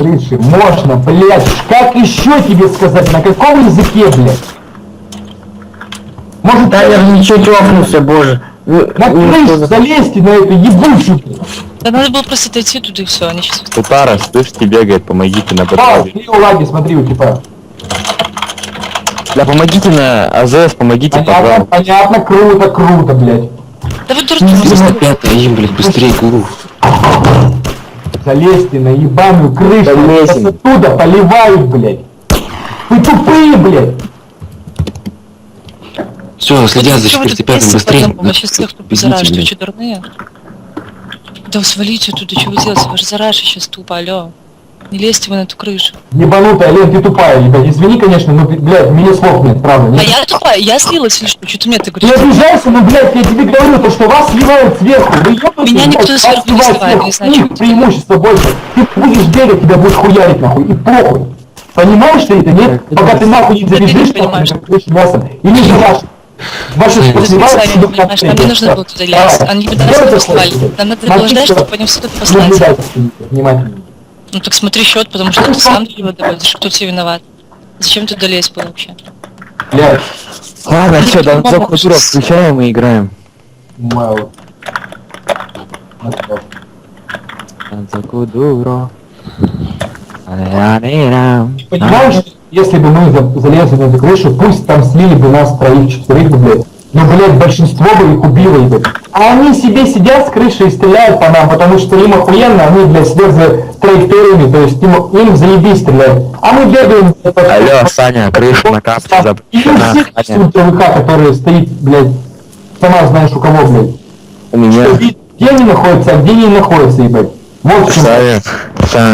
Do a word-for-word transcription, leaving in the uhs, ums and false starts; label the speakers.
Speaker 1: крыше. Можно, блядь. Как еще тебе сказать? На каком языке, блядь? Может,
Speaker 2: Таймер ничего тёпнулся, боже.
Speaker 1: на крышу залезьте на эту ебучую.
Speaker 3: Да надо было просто дойти туда и все, они сейчас...
Speaker 4: Тутара, слышите, бегает, помогите на
Speaker 1: Да,
Speaker 4: подвале.
Speaker 1: смотри, у лаги, смотри, у типа.
Speaker 4: Да помогите на АЗС, помогите,
Speaker 1: Понятно,
Speaker 4: пожалуйста.
Speaker 1: понятно, круто, круто, блядь.
Speaker 3: Да вы дураки,
Speaker 2: Пятый, им, блядь, быстрее, гуру.
Speaker 1: Залезьте на ебаную крышу.
Speaker 4: Залезем.
Speaker 1: Нас оттуда поливают, блядь. Вы тупые, блядь.
Speaker 2: Все, следят за четвертый, пятым, быстрее.
Speaker 3: Мы сейчас всех тупо зараж, что, что, дурные? Да свалите оттуда, что вы делаете? Вы же зараж сейчас тупо, алло. Не лезьте вы на эту крышу.
Speaker 1: Ебанутая, Лен, ты тупая, ебать. Извини, конечно, но, блядь, мне слов нет, правда.
Speaker 3: А
Speaker 1: Нет?
Speaker 3: я тупая, я слилась или что? Что ты мне ты
Speaker 1: Ты
Speaker 3: говоришь?
Speaker 1: обижайся, ну, блядь, я тебе говорю, то, что вас сливают сверху. Вы ебаете,
Speaker 3: Меня никто
Speaker 1: блядь,
Speaker 3: сверху
Speaker 1: вас
Speaker 3: не
Speaker 1: сливают
Speaker 3: сливает,
Speaker 1: сверху.
Speaker 3: не знаю,
Speaker 1: У них
Speaker 3: что это.
Speaker 1: преимущество больше. Ты будешь бегать, тебя будет хуярить, нахуй, и похуй. Понимаешь ты это, нет? Пока ты нахуй не
Speaker 3: Да ты не
Speaker 1: забежишь,
Speaker 3: понимаешь.
Speaker 1: нахуй, крышу мясом. Или же ваш. Ваши
Speaker 3: Ты
Speaker 1: посливают
Speaker 3: специально не
Speaker 1: себе
Speaker 3: понимаешь, нам не нужно было туда лезть. Они бы нас не послали. Нам надо было ждать, чтобы они все тут послать.
Speaker 1: Наблюдайте внимательно.
Speaker 3: Ну так смотри счет, потому что ты сам его доводишь, кто тебе виноват. Зачем ты туда лезть был вообще?
Speaker 1: Блядь,
Speaker 4: Ладно, все,
Speaker 3: Они
Speaker 4: Донцов
Speaker 3: могут
Speaker 4: Кутуров
Speaker 3: с-
Speaker 4: включаем и играем.
Speaker 1: мало.
Speaker 4: Донцов Кутуров.
Speaker 1: Понимаешь, если бы мы за- залезли на эту крышу, пусть там слили бы нас троих, четверых, блядь. Но, блядь, большинство бы их убило, ебать. А они себе сидят с крыши и стреляют по нам, потому что им охуенно, они, блядь, следят за траекториями, то есть им, им заебись стреляют. А мы бегаем...
Speaker 4: Алло, Саня, крыша на капке
Speaker 1: И у
Speaker 4: запрещена.
Speaker 1: всех
Speaker 4: Саня,
Speaker 1: ТВК, который стоит, блядь, сама знаешь у кого, блядь.
Speaker 4: у меня...
Speaker 1: Что, где они находятся, а где не находятся, ебать. Вот в чем.
Speaker 4: Саня, Саня.